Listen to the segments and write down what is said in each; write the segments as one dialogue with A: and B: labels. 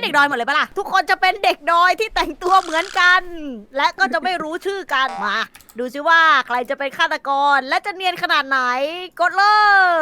A: เด็กดอยหมดเลยปะล่ะ ทุกคนจะเป็นเด็กดอยที่แต่งตัวเหมือนกัน และก็จะไม่รู้ชื่อกันมา ดูซิว่าใครจะเป็นฆาตกรและจะเนียนขนาดไหน กดเลย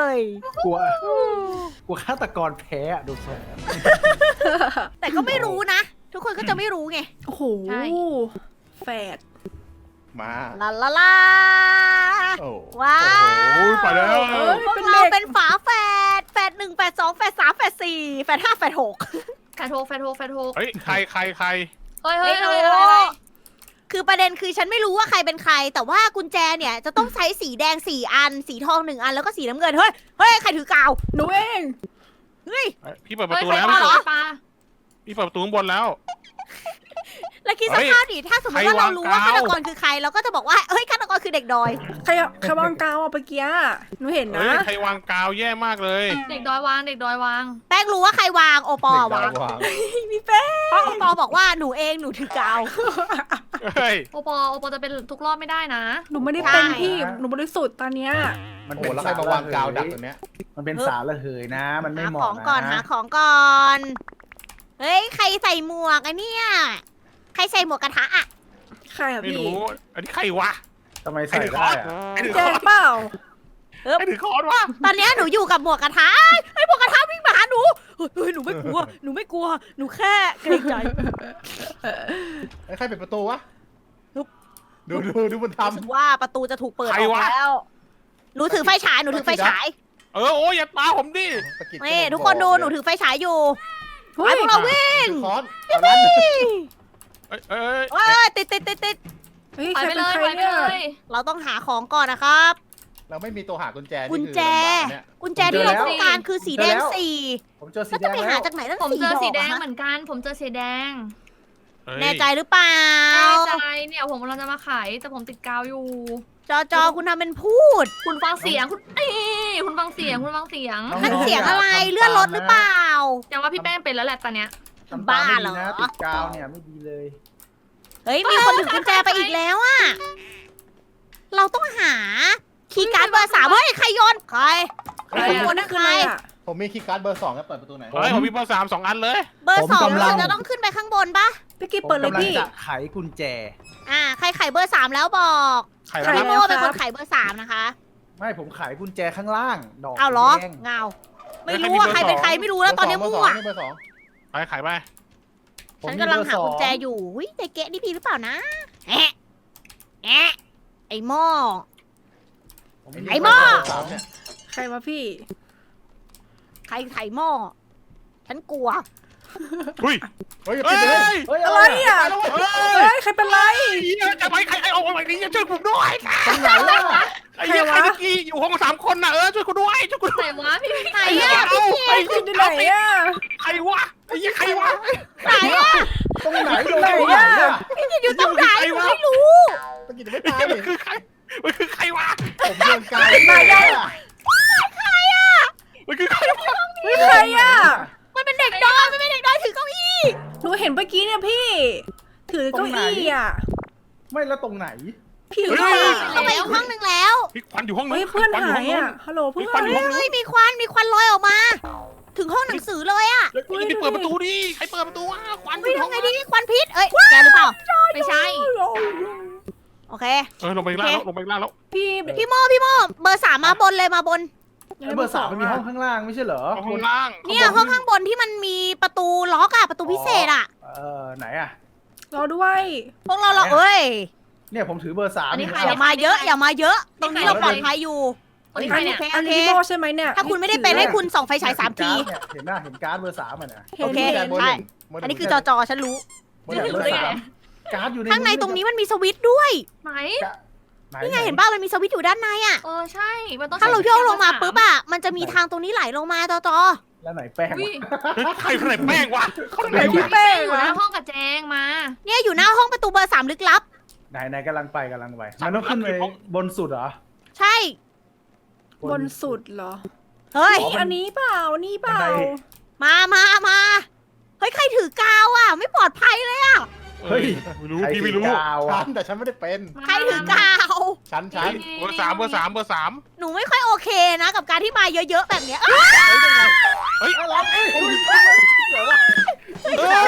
B: กลัวฆาตกรแพ้อะดูทรง
A: แต่ก็ไม่รู้นะ ทุกคนก็จะไม่รู้ไง
C: โอ้โห
D: ใช่
C: แฝด
E: มา
A: ลาลาลา
E: โอ้
A: ว้า
E: โอ้
A: ว
E: ไปแล้ว
A: พวกเราเป็นฝาแฝดแฝด1แฝด2แฝด3แฝด4แฝด5แฝด6
D: แฟนโทกแฟนโทกแฟนโทก
E: เฮ้ยใคร
D: เฮ้ย
A: ไม่
D: เฮ้ย
A: รู้
D: เฮ้ยเฮ้ย
A: คือประเด็นคือฉันไม่รู้ว่าใครเป็นใคร แต่ว่ากุญแจเนี่ยจะต้องใช้สีแดง4อัน สีทอง1อันแล้วก็สีน้ำเงิน เฮ้ย เฮ้ย ใครถือกาว
C: หนูเอง
A: เฮ้ย
E: พี่เปิดประ
D: เฮ้ย
E: ตู
D: ใคร
E: แล้ว
D: ปลาเหรอปลา
E: พี่เปิดประตูข้างบนแล้ว
A: แล้วคิดส
E: เฮ้ย
A: ภาพดิถ้าสมมติว่าเรารู้ว่า
E: ใคร
A: ฆาว
E: าง
A: ตกรคือใคร เราก็จะบอกว่า เฮ้ย ฆาตกรคือเด็กดอย
C: ใครวางกาวอ่ะเมื่อกี้หนูเห็น
E: เฮ้
C: นะ
E: ยใครวางกาวแย่มากเลย
D: เด็กดอยวางเด็กดอยวาง
A: แป้งรู้ว่าใครวาง โอปอล์วาง
C: มีแป้ง
A: เพราะโอปอล์บอกว่าหนูเองหนูถือกาว
E: เฮ้ย
D: โอปอจะเป็นทุกรอบไม่ได้นะ
C: หนูไม่ได้เป็น
A: ใช่
C: พี่หนูบริสุทธิ์ตอนเนี้ย
B: มัน
E: โอ้แล้วใครมาวางกาวดักตรงเนี้ย
B: มันเป็นสารระเหยนะ มันไม่
A: หา
B: เห
A: ข
B: มาะ
A: องก่อน
B: นะ
A: หาของก่อน เฮ้ย ใครใส่หมวกอะเนี่ย ใครใส่หมวกกระทะอะ
C: ใครอ่ะ
E: ไม่
C: พี่
E: รู้อันนี้ใครวะ
B: ทำไมใส่ได้อะ
E: ใครถือ
C: แจ
E: ค้อน
C: เปล่า
E: ใครถือค้อนวะ
A: ตอนเนี้ยหนูอยู่กับหมวกกระทะไอ้ยหมวกกระทะวิ่งมาหาหนูเฮ้ยหนูไม่กลัว หนูไม่กลัว หนูแค่เกรงใจ
E: ใครปิดประตูวะ
A: ลุก
E: ดูมัน
A: รู้สึก
E: ทำ
A: ว่าประตูจะถูกเปิดอ
E: ใคร
A: อก
E: วะ
A: แล้ว หนูถือไฟฉาย หนูถือไฟฉาย
E: โอ้ยอย่าตาผมดิ
A: นี่ทุกคนดู หนูถือไฟฉายอยู่
C: เฮ้
A: ไอ้
C: ย
A: พวกเราวิ่ง
E: ถือค้อน เอ้ย
A: เอ้ยติด
C: เฮ้ย
D: ไป
C: ใคร
D: ไป
C: เป็น
D: เลย
C: ใคร
D: ไปไป
C: เนี่ย
D: เลย
A: เราต้องหาของก่อนนะครับ
E: เราไม่มีตัวหากุญแจ
A: กุญแจ
E: นี่คือลำบากเนี่ย
A: กุญแจที่เราต้องการคือสีแดง
B: ผมเจอ
A: 4
B: สี
A: แล้ว
B: แด
A: จะ
B: ง
A: ไป
B: แล้
A: หาว จากไหนตั้ง
D: ผม
A: 4
D: เจอสีแดง
A: ดอก
D: เหมือนกัน ผมเจอสีแดง
E: เฮ้ย
A: แน่ใจหรือเปล่า
D: แน่ใจเนี่ยผมกำลังจะมาขายแต่ผมติดกาวอยู่
A: จอคุณทำเป็นพูด
D: คุณฟังเสียงคุณคุณฟังเสียงคุณฟังเสียง
A: นั่นเสียงอะไรเลื่อนรถหรือเปล่า
D: ยังว่าพี่แป้งเป็นแล้วแหละตอนเนี้ย
B: ทำตม
A: บ้า
B: ไม่
A: เหร
B: ดี
A: อ
B: นะติดกาวเนี่ยไม่ดีเลย
A: เฮ้ยมีคนถือกุญแจไปอีกแล้วอะเราต้องหาคีย์การ์ดเบอร์3เฮ้ยใครโยนใคร
D: ใคร
A: ข
D: อะ
A: โมยนั่น
C: คือ
A: ใคร
C: อะไรอ่ะ
E: ผมมีคีย์การ์ดเบอร์2ครับเปิดประตูไหน
B: ผม
E: เฮ้ยผมมีเบอร์3 2 อันเลย
A: เบอร์
B: ผม
A: 2
B: กำลั
A: เรา
B: ง
A: จะต้องขึ้นไปข้างบนปะ
C: พี่กิ๊บ
B: ผม
C: เปิดเลย
B: กำลัง
C: พี่
B: จะไขกุญแจ
A: ใครไขเบอร์ 3 แล้วบอก
E: ใคร
C: ใคร
E: วะ
A: พี่
E: ครับ
A: โมเป็นคนไขเบอร์ 3 นะคะ
B: ไม่ผมไขกุญแจข้างล่างดอก
A: เอาเหรอ
B: แดง
A: เงาไม่รู้ว่าใครเป็นใครไม่รู้แล้วตอนนี้มั่ว
E: เบอร์สองไปขายไป
B: ผม
A: ฉัน
B: มี
A: กำลัง
B: เบอร์
A: หา
B: สอ
A: กุญแจอยู่หุ้ยใจเกะนี่พี่หรือเปล่านะแอะแอะไอ้หม้อ
B: ผม
A: ไอ้หม้อ
E: เบร์สามเนี่ย
C: ใครวะพี่
A: ใครไขหม้อฉันกลัว
E: อุ้ย
B: เฮ้ย
E: เฮ้ย
B: ปิดเลยเฮ้ย
C: อะไรอ่ะ
E: เฮ้ย
C: เฮ้ยใครเป็นไร
E: จะไปใครเอาไว้นี้ช่วยผมด้วย
B: ตรงไหนล่ะ
E: ไอ้เหี้ยใครเมื่อกี้อยู่ห้อง3 คนน่ะช่วยกูด้วยช่วยกูด้วย
D: ไหนวะพี่
A: ไหน
E: ไอ้เหี้ย
A: อะ
E: เอาไอ้
C: พี่อยู่ไหนอ่ะ
E: ใครวะไอ้เหี้ยใครวะ
A: ไหนอะ
B: ตรงไหนโดน
C: ไหน
B: ตรงไหน
C: อะ
B: อะ
A: พี่กินอยู่ตรงไหนหนูไม่รู้
E: ตะกี้จะไม่ตายมันคือใครมันคือใครวะ
B: ผมโดนกาว
C: ไหนอะ
E: มันคือใครวะ
C: เฮ้ยใครอ่ะ
A: มันเป็นเด็กดอยมันเป็นเด็กดอยถือเก้าอี้
C: หนูเห็นเมื่อกี้เนี่ยพี่ ถือเก้าอี้อ่ะ
B: ไม่แล้วตรงไหน
C: พี่ถือเก้าอี้
A: เข้าไปอีกห้องหนึ่งแล้ว
E: พี่ควันอยู่ห้องนึง
C: เฮ้ยเพื่อนหายอ่ะฮัลโหลเพื่อน
A: เฮ้ยมีควันลอยออกมา ถึงห้องหนังสือเลยอะ
E: พี่เปิดประตูดิใครเปิดประตูวะควันอ
A: เฮ้ย
E: ยู่ห้อง
A: ทำไงดีควันพิษเอ้ยแกหรือเปล่า
D: ไม่ใช่
A: โอเค
E: ลงไปล่างแล้วลงไปล่างแล้ว
C: พี่
A: พี่โมเบอร์ 3มาบนเลยมาบน
B: เบอร์ 3มันมีห้องข้างล่างไม่ใช่เหรอ
E: ห้องล่าง
A: เนี่ยห้องข้างบนที่มันมีประตูล็อกอะประตูพิเศษอะ
B: ไหนอะ
C: รอด้วย
A: พวกเราเอ้ย
B: เนี่ยผมถือเบอร์ 3
D: อันนี้ใคร
A: อย่ามาเยอะอย่ามาเยอะ ตรงนี้เราปลอดภัยอยู่
D: คนนี้ใครเนี่ย
C: อันนี้พี่โมใช่ไหมเนี่ย
A: ถ้าคุณไม่ได้เป็นให้คุณส่องไฟฉาย3 ที
B: เห็นหน้าเห็นการ์ดเบอร์ 3อ่ะนะ
C: เห็
A: โอน เค
C: เห็น
A: ใช่ อันนี้คือจอฉันรู้
B: เบอร์ 3การ์ดอยู่ใน
A: ข้างในตรงนี้มันมีสวิตช์ด้วย
D: ไหน
A: นี่ไงเห็นป่ะมันมีสวิตช์อยู่ด้านในอะ
D: ใช่มันต้อง
A: ถ้าเราโยกลงมาปุ๊บอะมันจะมีทางตรงนี้ไหลลงมาจอ
B: แล้วไหนแป้ง
D: อุ้ย
E: ใครคนไหนแป้งวะคนไหน
C: ไหนพี่
E: วะ
C: แป้ง
D: อยู่
C: วะ
D: หน้าห้องกับแจงมา
A: เนี่ยอยู่หน้าห้องประตูเบอร์ 3 ลึกลับ
B: ไหนกำลังไปมันต้องขึ้นไปบนสุดเหรอ
A: ใช่
C: บนสุดเหรอ
A: เฮ้ย
C: นี่อันนี้เปล่านี่เปล่า
A: มาเฮ้ยใครถือกาวอะไม่ปลอดภัยเลยอะ
E: ไม่รู้พี่ไม่รู้
B: ฉัน
E: แต่ฉันไม่ได้เป็น
A: ใครถือกาว
E: ฉันเบอร์3
A: หนูไม่ค่อยโอเคนะกับการที่มาเยอะๆแบบเนี้ย
E: เฮ้ย
B: อะไร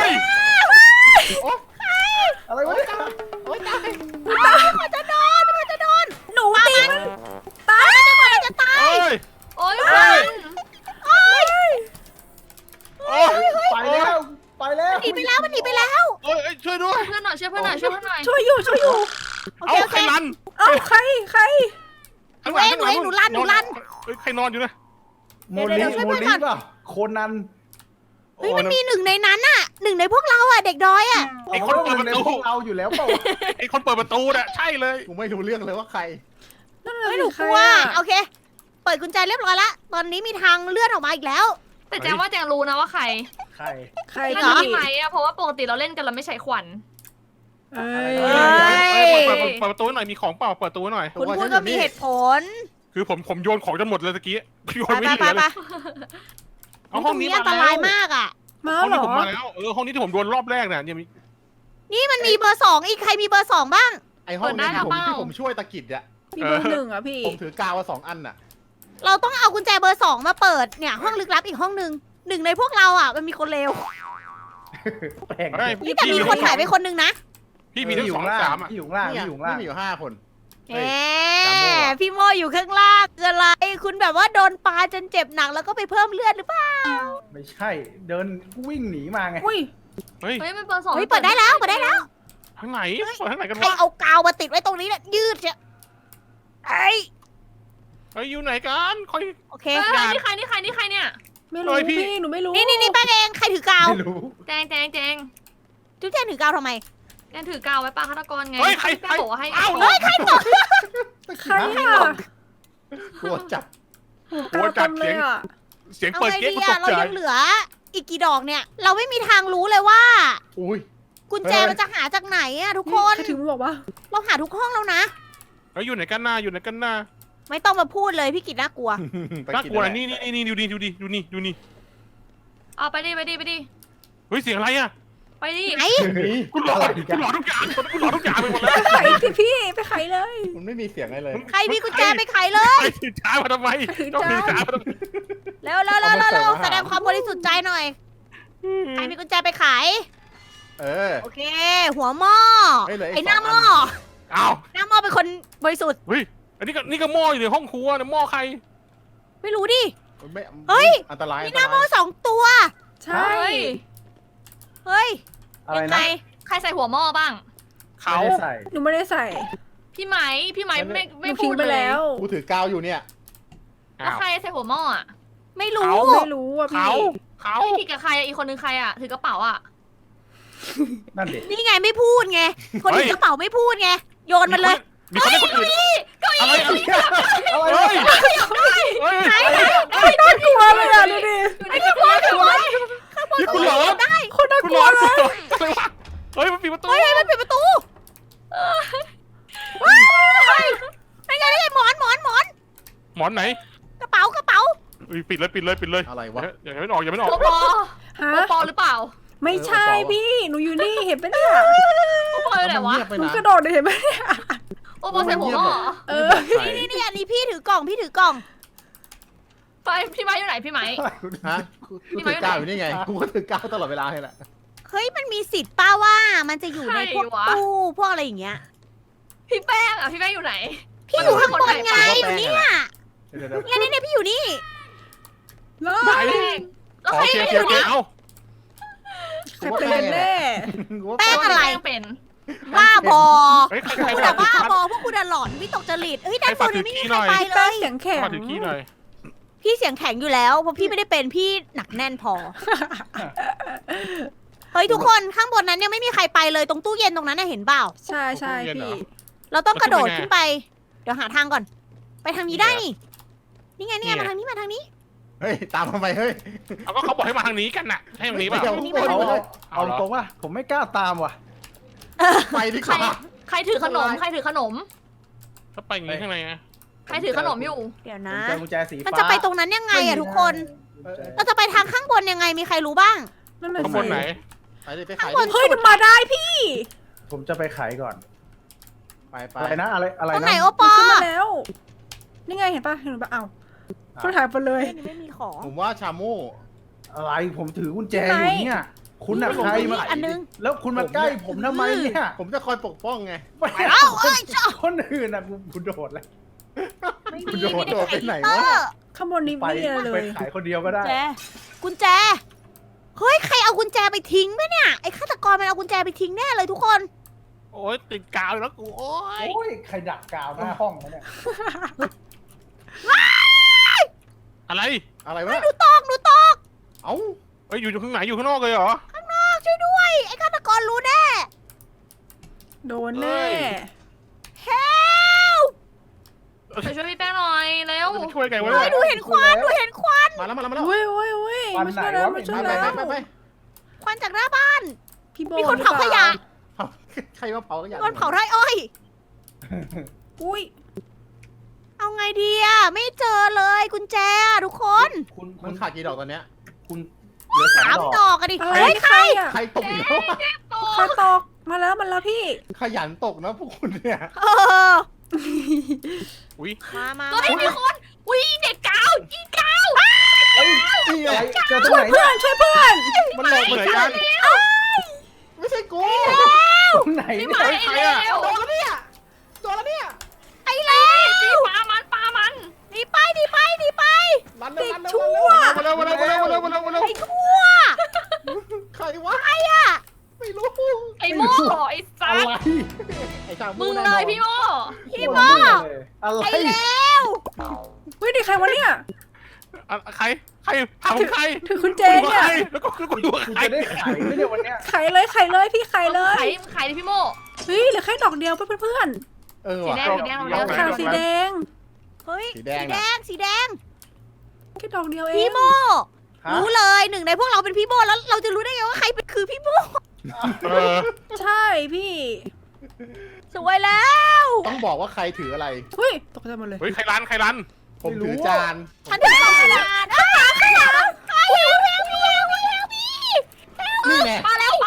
A: หนีไปแล้วมันหนีไปแล้ว
E: เอ้ยช่วยด้วย
D: ช่วยเพื่อนหน่อยช่วยเพื่อนหน่อยช่วยเพื่อนหน่อย
C: ช่วยอยู่
A: โอ
E: เอา
A: เคโอ
E: ใค
A: เค
E: รรัน
C: เอ้าใคร
E: ข้างหลัง
A: หนูเองหนูลั่น
E: เฮ้ยใครนอนอยู่นะ
B: โมลิเปล่าโคนัน
A: เฮ้ยมันมีหนึ่งในนั้นน่ะหนึ่งในพวกเราอ่ะเด็กดอยอ่ะ
E: ไอ้คนเปิดประ
B: ใน
E: ตู
B: พวกเราอยู่แล้วเปล่า
E: ไอ้คนเปิดประตูน่ะใช่เลย
F: กูไม่รู้เรื่องเลยว่าใคร
C: นั่น
A: เฮ้ย
C: น่ะ
A: หนู
C: สิ
A: กลัวโอเค เปิดกุญแจเรียบร้อยละตอนนี้มีทางเลื่อนออกมาอีกแล้ว
D: แต่แจงว่าแจงรู้นะว่าใคร
B: ใคร
C: ใคร
A: จริง
D: น่า
A: เหรอ
D: จะพี่ไหมอะเพราะว่าปกติเราเล่นกันเราไม่ใช้ขวัญ
C: เอ้
A: เฮ้
C: ย
A: ย
E: เปิดประตูหน่อยมีของเปล่าเปิดประตูหน่อย
A: คุณพูดก็มีเหตุผล
E: คือผมโยนของจนหมดเลยตะกี้โย
A: ไป
E: นไม่
A: ไป
E: เหลือ
A: ไป
E: เลยเอาห้องนี้
A: อันตรายมากอ่ะ
C: มา
E: ห้อง
C: เหร
E: นี้
C: อ
E: ผมมาแล้วห้องนี้ที่ผมโดนรอบแรกเนี่ยมี
A: นี่มันมีเบอร์สองอีกใครมีเบอร์สองบ้าง
F: ไอห้องนี้ที่ผมช่วยตะกิดอะ
C: มีเบอร์หนึ่งอ่ะพี่
F: ผมถือกาวมา2 อันน่ะ
A: เราต้องเอากุญแจเบอร์สองมาเปิดเนี่ยห้องลึกลับอีกห้องหนึ่งหนึ่งในพวกเราอ่ะมันมีคนเลว
B: แปลก
E: เฮ้ย
A: นี่แต่มีคนหายไปคนหนึงนะ
E: พี่มีทั้ง
B: อยู่
E: สอง
B: ล่าง
E: สามอ่ะ
B: ที่อยู่ล่าง
F: นี่
B: ที่อยู่ล่าง
F: มีอยู่5 คน
A: แห
F: เฮ้
A: ม
F: ยจำมั่ว
A: พี่โมอยู่ข้างล่างคืออะไร คุณแบบว่าโดนปาจนเจ็บหนักแล้วก็ไปเพิ่มเลือดหรือเปล่า
B: ไม่ใช่เดินวิ่งหนีมาไง
C: อุ้ย
E: เฮ้ย
D: เฮ้ยมันเปิดสอง
A: เฮ้ยเปิดได้แล้วเปิดได้แล้ว
E: ทางไหนเปิดทางไหนกัน
A: ใคร
E: วะ
A: เอากาวมาติดไว้ตรงนี้เนี่ยยืดเชียไอ้
E: เฮ้ยอยู่ไหนกันคอย
A: โอเค
D: เฮ้ยนี่ใครนี่ใครนี่ใครเนี่ย
C: ไม่รู้
E: เอ้ยพี่
C: พี่หนูไม่รู้
A: นี่แป้งเองใครถือกาว
B: ไม่รู้
D: แจง
A: จุ๊บแจงถือกาวทำไม
D: แจงถือกาวไว้ปาฆาตกรไง
E: เฮ้ยใคร
D: แจงบอกว่าให้
E: อ้าว
A: เฮ้ยใครบอก
C: ใครอ่ะ
F: ตัวจับ
E: หัวจัด
C: เต็มเลยอ่ะ
E: เสียง
A: เอา
E: เปิด
A: ไง
E: เก๊ก
A: ดี
E: กูต
A: อะ
E: ก
A: เรา
E: ใจ
A: ยังเหลืออีกกี่ดอกเนี่ย เราไม่มีทางรู้เลยว่า
F: อุ้ย
A: กุญแจมันจะหาจากไหนอะทุกคน
C: ใครถึงบอกว่า
A: เราหาทุกห้องแล้วนะ
E: เฮ้ยอยู่ไหนกันหน้าอยู่ไหนกันหน้า
A: ไม่ต้องมาพูดเลยพี่กิตน่ากลัว
E: น่ากลัวนะนี่ดูนี่
D: เอาไปดิ
E: เฮ้ยเสียงอะไรอ่ะ
D: ไปดิ
A: ไหน
E: กูหลอนทุกอย่างไปหมดแล้ว
C: ไปไขสิพี่ไปไขเลย
F: มันไม่มีเสียงอะไรเลย
A: ใครมีกุญแจไปไขเลย
E: ไอ้ถือช้ามาทำไมต้องถือช้ามาทำไม
A: เร็วแสดงความบริสุทธิ์ใจหน่อย ใครมีกุญแจไปไข
F: เออ
A: โอเค หัวหม้อ
F: เฮ้ยเหลืออีก
A: ไอ้หน้า
F: 2
A: หม้อ
E: อ้าว
A: หน้าหม้อเป็นคนบริสุทธิ์
E: เฮ้ยอันนี้ก็หม้ออยู่ในห้องครัวนะหม้อใคร
A: ไม่รู้ดิ
F: ไม่
A: เฮ้ย
F: อันตราย
A: มีหน้าหม้อ2 ตัว
C: ใช่
D: เฮ้ย
A: เฮ้ย
B: อะไร
A: ยังไง
B: นะ
D: ใครใส่หัวหม้อบ้าง
E: เขา
B: ไม่ได้ใส่
C: หนูไม่ได้ใส่
D: พี่ไหมไม่
C: ห
D: ไม่
C: นู
D: พู
C: ทิ้ง
D: ด
C: ไป
D: เลย
C: แล้ว
F: กูถือกาวอยู่เนี่ย
D: แล้วใครใส่หัวหม้ออะ
A: ไม่รู้
C: ไม่รู้อ่ะพี่
E: เขา
D: พี่กิจกับใครอะอีกคนนึงใครอะถือกระเป๋าอะ
B: นั่นเด็ก
A: นี่ไงไม่พูดไง คนถือกระเป๋าไม่พูดไง โยนมันเลย
E: มีคนให้คนอื่นอะไร
B: อะไร
E: เฮ้ย
A: ไหน
C: น่ากลัวเลยอ่ะดูดิ
A: ไอ้ข้างบนข้างบน
E: นี่คุณหลอน
A: ได้
C: คนน่า
E: คุณ
C: ก
E: หล
C: ลัว
E: อน
C: เลย
E: อะไรวะเฮ้ยมันปิดประตู
A: เฮ้ยมันปิดประตูเฮ้ยไม่ไงหมอน
E: หมอนไหน
A: กระเป๋ากระเป๋า
E: ปิดเลย
F: อะไรวะ
E: อย่าไม่ออกอย่าไม่ออก
D: โอปอ
C: ฮะ
D: โอปอหรือเปล่า
C: ไม่ใช่พี่หนูอยู่นี่เห็นปะเนี่ย
D: โอปออยู่ไหนวะ
F: เงียบไป
C: หนู
F: นะ
C: กระโดดเลยเห็นปะเนี่ย
D: โอปอใส่หัวหม้อเหรอ
C: เออ
A: นี่อันนี้พี่ถือกล่อง
D: ไปพี่ไม้อยู่ไหนพี่ไม้
F: ฮะกูถือกาวอยู่นี่ไง กูก็ถือกาวตลอดเวลาเลยแหละ
A: เฮ้ยมันมีสิทธิ์ป้าว่ามันจะอยู่ในพวกตู้พวกอะไรอย่างเงี้ย
D: พี่แป้งอะพี่แป้งอยู่ไหน
A: พี่อยู่ข้างบนไง
F: มัน
A: อยู่เนี่ย
B: เดี๋ยว
A: เนี่ยพี่อยู่นี่
C: แล้ว
E: ไหน
D: แป้งแล้ว
E: โอ
D: ใคร
E: เค
D: ไม่
E: โอ
D: อยู่
E: เค
D: นี่
E: เอา
C: ใครเป็นแน่
A: แป้งอะไร
D: แป้งเป็น
A: บ้าบอ
E: เฮ้ย
A: พ
E: ใคร
A: วก
E: ฝา
A: คุณ
E: ก
A: อะ
E: ถือ
A: บ้าบอพวกคุณอะหลอนวิตกจริตเฮ้ยด้านบนไม่มี
E: ใคร
A: ใคร
E: ฝาก
A: ไป
E: ถือ
A: เล
C: แป้ง
A: ย
C: เสียงแข็ง
E: ขอถือขี้หน่อย
A: พี่เสียงแข็งอยู่แล้วเพราะพี่ไม่ได้เป็นพี่หนักแน่นพอ เฮ้ยทุกคนข้างบนนั้นยังไม่มีใครไปเลยตรงตู้เย็นตรงนั้นน่ะเห็นเปล่า
C: ใช่ใช่พี่
A: เราต้องกระโดดขึ้นไป เดี๋ยวหาทางก่อน ไปทางนี้ได้นี่ นี่ไงมาทางนี้
F: เฮ้ย ตามทำไมเฮ้ย
E: เอาก็เขาบอกให้มาทางนี้กันน่ะให้ทางนี้ป่ะ
F: เดี๋ยว
B: เอาตรงว่าผมไม่กล้าตามว่ะ
F: ไปดีก
D: ใคร
F: ว่า
D: ใครถือขนมใครถือขนม
E: ถ้าไปอย่างนี้ข้างในนะ
D: ใครถือขนมอยู่
A: เดี๋ยว
B: ผม
A: นะ
B: เจอกุญแจสีฟ้า
A: มันจะไปตรงนั้นยังไงอะทุกคน เราจะไปทางข้างบนยังไงมีใครรู้บ้าง
C: นั่นน่ะ
E: ข้าง
C: สิ
E: บนไหน
F: ไปดิไปขาย
A: ข้างบน
F: ดิ
C: เฮ้ยมันมาได้พี่
B: ผมจะไปไขก่อน
F: ไป
B: อะไรนะอะไร
A: ตรงไหน
B: นะ
A: โอป
C: มัน
A: อ
C: ขึ้นมาแล้ว นี่ไงเห็นปะเห็นปะเอ้าคนหายไปเลย
A: นี่ไม่มีของ
F: ผมว่าชาโม่
B: อะไรผมถือกุญแจอยู่เนี่ยคุณอะใครมา
A: อันนึง
B: แล้วคุณมาใกล้ผมทำไมเนี่ย
F: ผมจะคอยปกป้องไง
B: ไป
A: แล้วเอ้ยเจ้า
B: คนอื่นอะกูโดดเลย
A: ไม่
F: คุณ
A: มี
F: โดดไปไหนวะ
C: ข้างบนนี้
B: ไป
C: ไม่มีอะไรเล
B: ไป
C: ย
B: ขายคนเดียวก็ได้
A: กุญแจเฮ้ยใครเอากุญแจไปทิ้งไหมเนี่ยไอ้ฆาตกรมันเอากุญแจไปทิ้งแน่เลยทุกคน
E: โอ้ยติดกาวอยู่แล้วกูโอ้ย
B: โอ้ยใครดักกาวหน้าห้องวะเนี่ย
E: อะไร
F: อะไร
A: เฮ้ยว
F: ะ
A: หนูตก
F: เอ้า
E: เอ้ยอยู่ข้างไหนอยู่ข้างนอกเลยเหรอ
A: ช่วยด้วยไอ้ฆาตกรรู้แน่
C: โดนแน่
A: เฮล
D: ไปช่วยพี่แป้งหน่อยเร็ว
E: จะช่วยไงวะ
A: เฮ้
E: เนี่ย ย
A: หนูเห็นควันหนูเห็นควัน
F: มาแล้วมาแล้วมาแล้ว
C: เว้ยเว้ยเว้ยมาช่วยแล้วมาช่วย
F: ไป
C: แล้ว
F: ไป
A: ควันจากหน้าบ้าน
C: พี่โบ
A: มีคนเผาขยะ
F: ใครมาเผาก็อย่า
A: มีคนเผาไร่อ้อย
C: อุ้ย
A: เอาไงดีอะไม่เจอเลยกุญแจอะทุกคน
B: คุณ
F: มันขาดกี่ดอกตอนเนี้ย
B: คุณเหลือ
A: สาม
B: 3
A: ดอกอะดิ
C: อะไร
A: เฮ้ย
C: ใครอ่ะ
F: ใครตกอีกแล้ว
C: ใครตกมาแล้วพี่
F: ขยันตกนะพวกคุณเนี่ย
A: เออ
E: อุ้ย
A: มา
D: ก็ไม่มีคนอุ้ยเด็กกาวยิงกาว
B: เฮ้ย
F: นี่ไง
B: อะไรเจอตรงไหน
C: เพื่
B: เนี่
C: อย นช่วยเพื่อน
F: มันหลอกเหมือนกันไม่ใช่กู
B: ตรงไหน
D: ไม่
B: เนี่
D: ไหวย
E: ใครอะ
D: แล้ว
F: โดนแล้วเนี่ยโดนแล้วเนี่ย
A: ไอ้แล้ว
D: ตีปลามัน
A: หนีไปหนีไปหนีไป
F: รันเร็วรันเร็ว
C: ชั่ว
E: มาเร็วมาเร็วมาเร็วมาเร็วมาเร็วมาเร็ว
A: ไอ้ทั่ว
F: ใครวะ
A: ไอ้อะ
F: ไม่รู้
D: ไอ้โม่ไอ้ซั
B: อะ
D: ด
B: ไร
F: ไอ้ช่าง
D: มึงเลยพี่โม่
A: พี่โม
B: อะไร
A: ไอ้แล้ว
C: เฮ้ยนี่ใครวะเนี่ย
E: ใครถามใคร
C: ถือคุณเจ
E: ดู
C: เนี่ย
E: ใครแล้วก็กูดู
B: คุณ
E: ใคร
B: จะได้ขายไหมเนี่ยวันเนี้ย
C: ไขเลยพี่ไขเลย
D: ขายดิพี่โม่
C: เฮ้ยเหลือแค่ดอกเดียวเพื่อน
F: เออ
D: สี
F: ว่ะ
D: แดงสีแดง
C: ๆ
D: เรา
C: ดอกขาวสีแดง
A: เฮ้ย
F: สีแดง
A: สีแดง
C: แค่ดอกเดียวเอง
A: พี่โม
B: ฮะ
A: รู้เลยหนึ่งในพวกเราเป็นพี่โมแล้วเราจะรู้ได้ไงว่าใครเป็นคือพี่โม
E: เออ
C: ใช่พี่
A: สวยแล้ว
F: ต้องบอกว่าใครถืออะไร
C: เฮ้ยตกใจหมดเลย
E: เฮ้ยใครรัน
F: ผมถือจาน
A: ฉันถือกล่องกระดาษข้างหลังเฮลพี่
F: นี่แน่
D: มาแล้ว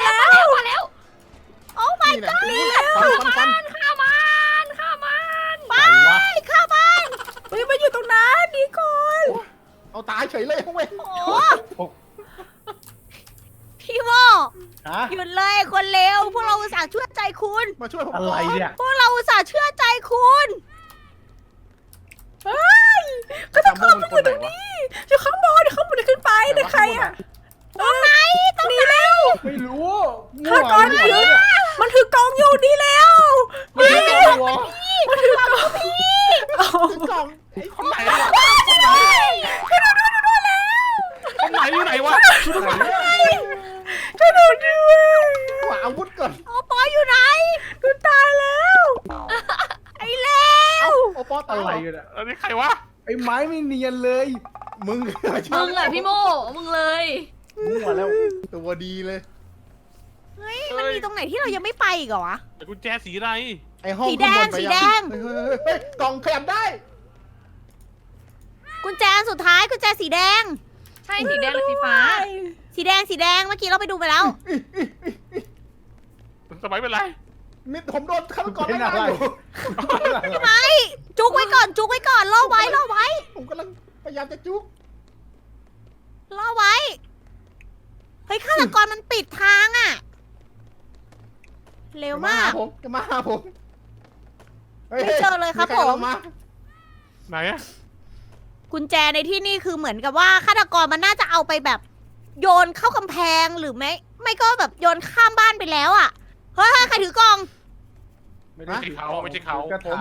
A: โอ้ my
F: นี่แน่
A: god
F: ฟัน
D: ฆ่ามัน
A: ไปเข้าบ้าน
C: เฮ้ยมาอยู่ตรงนั้นดีก่อน
F: เอาตายเฉยเลยเว้ย
A: โอ้พี่โม
B: ฮะ
A: หยุดเลยคนเลวพวกเราอุตส่าห์เชื่อใจคุณ
F: มาช่วยผม
B: อะไรเนี่ย
A: พวกเราอุตส่าห์เชื่อใจคุณ
C: เฮ้ยก็จะเข้ามาอยู่ตรงนี้อยู่ข้างบนเดี๋ยวข้างบนจะขึ้นไปแต่ใครอ่ะตรงไหนหนีเร็ว
B: ไม่รู้
C: ฆาตกรถือมันถือกองอยู่ดีแล้ว
B: ไม่รู้ตัว
C: มันถือกองพี่
F: กล่อง
E: คนไหนคนไหนอยู่ไหนวะ
C: ช่วยดูด้วย
F: หาอาวุธก่อน
A: โอปออยู่ไหน
C: ดูตายแล้ว
A: ไอ้เลว
F: โอปอตา
B: อะไร
F: ย
B: กันอะ
E: อันนี้ใครวะ
B: ไอ้ไม้ไม่เนียนเลย
F: มึง
D: มึงแหละพี่โม่มึงเลย
B: มั่วแล้ว
F: ตัวดีเลย
A: เฮ้ยมันมีตรงไหนที่เรายังไม่ไปอีกเหรอวะ
E: แต่กุญแจสีอะไร
F: ไอห้อง
A: สีแดง
F: ข้าบนไป
A: สี
F: ยั
A: แดง
F: เฮ้ยกล่องขยับได้
A: กุญแจอันสุดท้ายกุญแจสีแดง
D: ใช่สีแดงหรือสีฟ้า
A: สีแดงเมื่อกี้เราไปดูไปแล้ว
E: สมัยเป็นไร
F: มิดผมโดนฆาตกร
B: เป็น
F: ไล่
B: อะไร
F: อยู่
A: พี่ไม้จุกไว้ก่อนล่อไว้
F: ผมกำลังพยายามจะจุก
A: ล่อไว้ เฮ้ยฆาตกรมันปิดทางอะเร็วมาก
F: จะมาหาผมฮ้ย
A: ไม่เจอเลยครับ
F: ใ
A: ผม
F: อาา
E: ไหนอะ
A: กุญแจในที่นี่คือเหมือนกับว่าฆาตกรมันน่าจะเอาไปแบบ โยนเข้ากำแพงหรือไม่ก็แบบโยนข้ามบ้านไปแล้วอะเฮ้ยใครถือกล่อง
B: ไม่ได้
E: ไม่ใช่เขาไม่ใช่เขา
B: กระถาง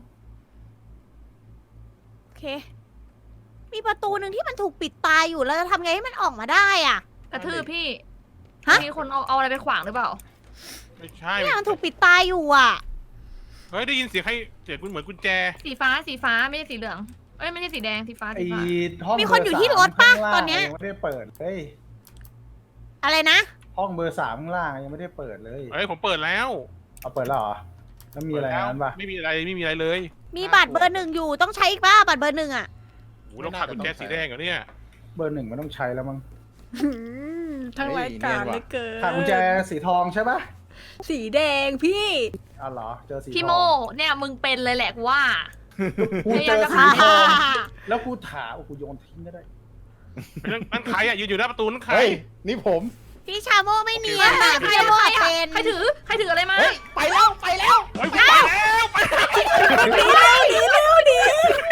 A: โอเค มีประตูหนึ่งที่มันถูกปิดตายอยู่แล้วจะทำไงให้มันออกมาได้อะ
D: กระทืบพี่
A: ฮะ
D: มีคนเอาอะไรไปขวางหรือเปล่า
E: ไม่ใช่
A: เนี่ยมันถูกปิดตายอยู่อะ
E: เฮ้ยได้ยินเสียงใครเสียงคุณเหมือนกุญแจ
D: สีฟ้าไม่ใช่สีเหลืองเอ้ยไม่ใช่สีแดงสีฟ้า
B: ไอ้
D: สีฟ้า
B: ห้อง
A: มีคนอยู่ที่รถปะ
B: เบร์
A: ตอนเนี้ย
B: ยังไม่ได้เปิดเฮ้ย
A: อะไรนะ
B: ห้องเบอร์ 3ข้างล่างยังไม่ได้เปิดเลย
E: เฮ้ยผมเปิดแล้ว
B: เอาเปิดแล้วเหรอแล้วมีอะไรนั้นปะ
E: ไม่มีอะไรเลย
A: มีบัตรเบอร์ 1อยู่ต้องใช้อีกป่ะบัตรเบอร์ 1อะ
E: โอ้เราขาดกุญแจสีแดงเหรอเนี่ย
B: เบอร์ 1มันต้องใช้แล้วมั้ง
C: ทั้งรายการเลยเกิน
B: ขาดกุญแจสีทองใช่ปะ
C: สีแดงพี่
B: อ๋อเหรอเจอสีทอง
D: พี่โม่เนี่ยมึงเป็นเลยแหละกูว่า
B: กูเจอสีทองแล้วกูถามกูโยนทิ้งก็ได้
E: นั่นใครอะยืนอยู่หน้าประตูนั่นใคร
F: เฮ้ยนี่ผม
A: พี่ชาโมไม่เนียน
D: ใคร
A: พี่ชาโม
D: อะ
A: เป็น
D: ใครถืออะไรมา
F: เฮ้ยไปแล้ว
E: เฮ้ยผมไปแล้วไปแล้ว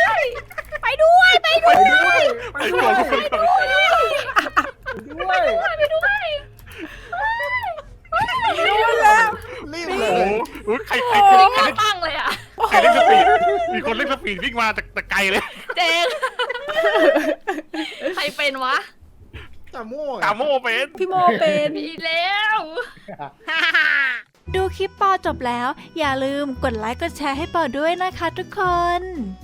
A: ไปด้วย
B: ไปด้วย
E: ไปด้วย
B: ด้วย
E: ฝีวิ่งมาจากตะไกลเลย
D: เจงใครเป็นวะ
F: ตาโม่
E: ตาโม่เป็น
C: พี่โมเป็น
D: มีแล้ว
G: ดูคลิปปอจบแล้ว อย่าลืมกดไลค์กดแชร์ให้ปอด้วยนะคะทุกคน